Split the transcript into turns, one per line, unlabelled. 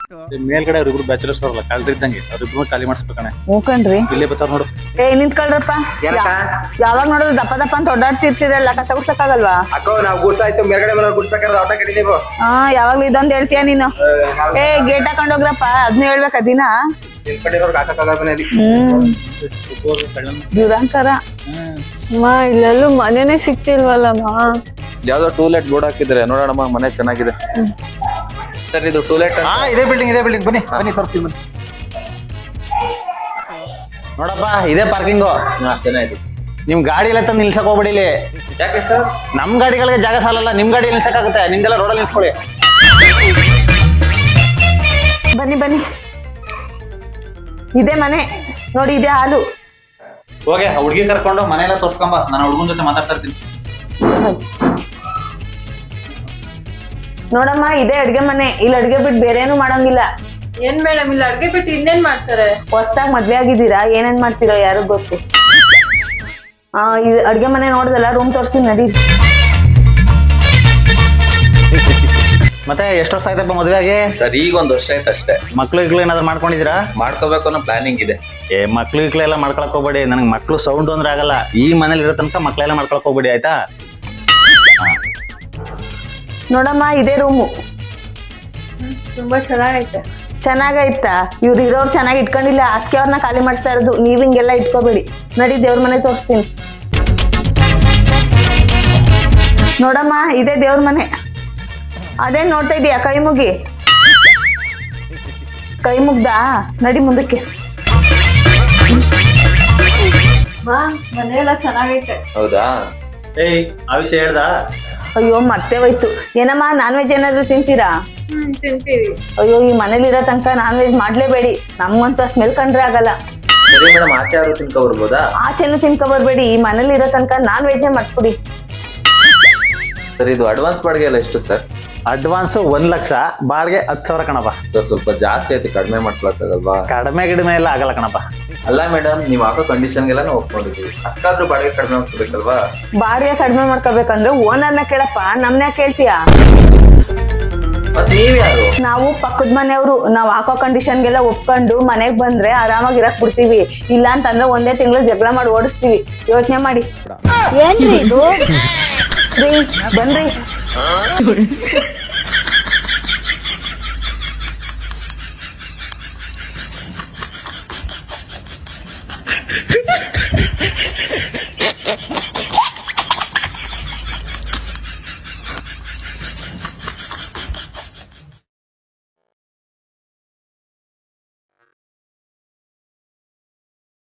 ಮೇಲ್ಗಡೆ ಅವ್ರಿಬ್ರು ಬ್ಯಾಚುಲರ್ಸ್ ಅವರಲ್ಲ ಕಾಲ್ರಿ ಇದ್ದಂಗೆ ಅವ್ರಿಬ್ರು ಖಾಲಿ ಮಾಡಿಸ್ಬೇಕಣೆ.
ಮೂಕಣ್ರಿ
ಇಲ್ಲೇ ಬರ್ತಾರ ನೋಡು.
ನಿಂತ್ಕೊಳ್ರಪ್ಪ. ಯಾವಾಗ ನೋಡಿದ್ರು ದಪ್ಪ ದಪ್ಪ ಅಂತ ಓಡಾಡ್ತಿರ್ತೀರಲ್ಲ, ಕಸ ಗುಡ್ಸಕ್ಕಾಗಲ್ವಾ?
ಅಕ್ಕ ನಾವು ಗುಡ್ಸಾಯ್ತು ಮೇಲ್ಗಡೆ ಮೇಲೆ ಗುಡ್ಸ್ಬೇಕಾದ್ರೆ ಆಟ ಕಡಿದೀವಿ.
ಯಾವಾಗ್ಲೂ ಇದೊಂದ್ ಹೇಳ್ತೀಯ ನೀನು. ಗೇಟ್ ಹಾಕೊಂಡೋಗ್ರಪ್ಪ, ಅದ್ನ ಹೇಳ್ಬೇಕ ದಿನ. ದುರಂಕಾರ.
ಇಲ್ಲೆಲ್ಲೂ ಮನೆನೇ ಸಿಕ್ತಿಲ್ವಲ್ಲಮ್ಮ.
ಯಾವ್ದೋ ಟೂಲೆಟ್ ಬೋರ್ಡ್ ಹಾಕಿದ್ರೆ ನೋಡೋಣಮ್ಮ, ಮನೆ ಚೆನ್ನಾಗಿದೆ. ಸರ್ ಇದು ಟೂಲೆಟ್
ಇದೇ ಬಿಲ್ಡಿಂಗ್ ಬನ್ನಿ ತೋರಿಸ್ತೀವಿ ಬನ್ನಿ. ನೋಡಪ್ಪ ಇದೇ ಪಾರ್ಕಿಂಗು.
ಚೆನ್ನಾಗಿದೆ.
ನಿಮ್ ಗಾಡಿ ಎಲ್ಲ ತಂದು ನಿಲ್ಸಕ್ ಹೋಗ್ಬೇಡಿ ಇಲ್ಲಿ.
ಯಾಕೆ ಸರ್?
ನಮ್ ಗಾಡಿಗಳಿಗೆ ಜಾಗ ಸಾಲಲ್ಲ, ನಿಮ್ ಗಾಡಿ ನಿಲ್ಸಕ್ಕಾಗುತ್ತೆ. ನಿಮ್ದೆಲ್ಲ ರೋಡಲ್ಲಿ ನಿಲ್ಸ್ಕೊಳ್ಳಿ.
ಬನ್ನಿ ಇದೇ ಮನೆ ನೋಡಿ, ಇದೇ ಹಾಲು.
ಹೋಗಿ ಹುಡುಗಿ ಕರ್ಕೊಂಡು ಮನೆಯೆಲ್ಲ ತೋರ್ಸ್ಕೊಂಬ, ನಾನು ಹುಡುಗನ ಜೊತೆ ಮಾತಾಡ್ತಾ ಇರ್ತೀನಿ.
ನೋಡಮ್ಮ ಇದೇ ಅಡ್ಗೆ ಮನೆ. ಇಲ್ಲಿ ಅಡ್ಗೆ ಬಿಟ್ಟು ಬೇರೆ ಏನು ಮಾಡಂಗಿಲ್ಲ.
ಏನ್ ಮೇಡಮ್ ಇಲ್ಲಿ ಅಡ್ಗೆ ಬಿಟ್ಟು ಇನ್ನೇನ್ ಮಾಡ್ತಾರೆ?
ಹೊಸ್ದಾಗ್ ಮದ್ವೆ ಆಗಿದ್ದೀರಾ, ಏನೇನ್ ಮಾಡ್ತೀರೋ ಯಾರಿಗ್ ಗೊತ್ತು. ಇದು ಅಡ್ಗೆ ಮನೆ ನೋಡ್ದಲ್ಲ, ರೂಮ್ ತೋರಿಸ್ತೀನಿ ನಡಿ.
ಮತ್ತೆ ಎಷ್ಟು ವರ್ಷ ಆಯ್ತಪ್ಪ ಮದುವೆ ಆಗಿ?
ಸರ್ ಈಗ 1 ವರ್ಷ ಆಯ್ತು ಅಷ್ಟೇ.
ಮಕ್ಳು ಏನಾದ್ರು ಮಾಡ್ಕೊಂಡಿದ್ದೀರಾ?
ಮಾಡ್ಕೋಬೇಕು ಅನ್ನೋ ಪ್ಲಾನಿಂಗ್ ಇದೆ.
ಮಕ್ಳು ಎಲ್ಲ ಮಾಡ್ಕೊಳಕ್ ಹೋಗ್ಬೇಡಿ. ನನಗೆ ಮಕ್ಳು ಸೌಂಡ್ ಅಂದ್ರೆ ಆಗಲ್ಲ. ಈ ಮನೇಲಿ ಇರೋ ತನಕ ಮಕ್ಳೆಲ್ಲ ಮಾಡ್ಕೊಳಕ್ ಹೋಗ್ಬೇಡಿ, ಆಯ್ತಾ?
ನೋಡಮ್ಮ ಇದೇ ರೂಮು.
ತುಂಬಾ
ಚೆನ್ನಾಗೈತಾ? ಇವ್ರು ಇರೋರು ಚೆನ್ನಾಗಿ ಇಟ್ಕೊಂಡಿಲ್ಲ, ಅದಕ್ಕೆ ಅವ್ರನ್ನ ಖಾಲಿ ಮಾಡಿಸ್ತಾ ಇರೋದು. ನೀವ್ ಹಿಂಗೆಲ್ಲ ಇಟ್ಕೋಬೇಡಿ. ನಡಿ ದೇವ್ರ ಮನೆ ತೋರಿಸ್ತೀನಿ. ನೋಡಮ್ಮ ಇದೇ ದೇವ್ರ ಮನೆ. ಅದೇನ್ ನೋಡ್ತಾ ಇದೀಯ? ಕೈ ಮುಗ್ದಾ? ನಡಿ ಮುಂದಕ್ಕೆ.
ಮನೆ ಎಲ್ಲ ಚೆನ್ನಾಗೈತೆ.
ಹೌದಾ?
ಆ ವಿಷಯ ಹೇಳ್ದ?
ಅಯ್ಯೋ ಮತ್ತೆ ಹೋಯ್ತು. ಏನಮ್ಮ ನಾನ್ ವೆಜ್ ಏನಾದ್ರು ತಿಂತೀರಾ?
ತಿಂತೀವಿ.
ಅಯ್ಯೋ ಈ ಮನೇಲಿರೋ ತನಕ ನಾನ್ ವೆಜ್ ಮಾಡ್ಲೇಬೇಡಿ. ನಮ್ಗಂತೂ ಸ್ಮೆಲ್ ಕಂಡ್ರೆ ಆಗಲ್ಲ.
ಸರಿ ಮೇಡಮ್, ಆಚೆ ಯಾರು ತಿನ್ಕೊ ಬರ್ಬೋದಾ?
ಆಚೆನು ತಿನ್ಕೊ ಬರ್ಬೇಡಿ. ಈ ಮನೇಲಿ ಇರೋ ತನಕ ನಾನ್ ವೆಜ್ ಮಾಡ್ಕೊಡಿ.
ಸರ್ ಇದು ಅಡ್ವಾನ್ಸ್ ಬಾಡಿಗೆ ಎಲ್ಲ ಎಷ್ಟು ಸರ್?
ಅಡ್ವಾನ್ಸ್ 1 ಲಕ್ಷ, ಬಾಡಿಗೆ 10,000 ಕಣಪ್ಪ.
ಸರ್ ಸ್ವಲ್ಪ ಜಾಸ್ತಿ ಆಯ್ತು, ಕಡಿಮೆ ಮಾಡ್ಕೊಳಕ್ಕಾಗಲ್ವಾ?
ಕಡಿಮೆ ಎಲ್ಲ ಆಗಲ್ಲ ಕಣಪ್ಪ.
ಅಲ್ಲ ಮೇಡಮ್, ನೀವು ಹಾಕೋ ಕಂಡೀಷನ್ಗೆಲ್ಲ ಒಪ್ಕೊಂಡಿದ್ದೀವಿ. ಅಷ್ಟಾದ್ರೂ ಬಾಡಿಗೆ ಕಡಿಮೆ ಮಾಡ್ಕೋಬೇಕಲ್ವಾ?
ಬಾಡಿಗೆ ಕಡಿಮೆ ಮಾಡ್ಕೋಬೇಕಂದ್ರೆ ಓನರ್ನ ಕೇಳಪ್ಪ, ನಮ್ನ ಕೇಳ್ತೀಯಾ?
ಮತ್ತೆ ನೀವ್ ಯಾರು?
ನಾವು ಪಕ್ಕದ ಮನೆಯವರು. ನಾವ್ ಹಾಕೋ ಕಂಡೀಷನ್ಗೆಲ್ಲ ಒಪ್ಕೊಂಡು ಮನೆಗ್ ಬಂದ್ರೆ ಆರಾಮಾಗಿ ಇರಕ್ ಬಿಡ್ತೀವಿ. ಇಲ್ಲ ಅಂತಂದ್ರೆ 1 ತಿಂಗಳು ಜಗಳ ಮಾಡಿ ಓಡಿಸ್ತೀವಿ. ಯೋಚನೆ ಮಾಡಿ.
ಏನ್ರಿ ಇದು?
ಬನ್ರಿ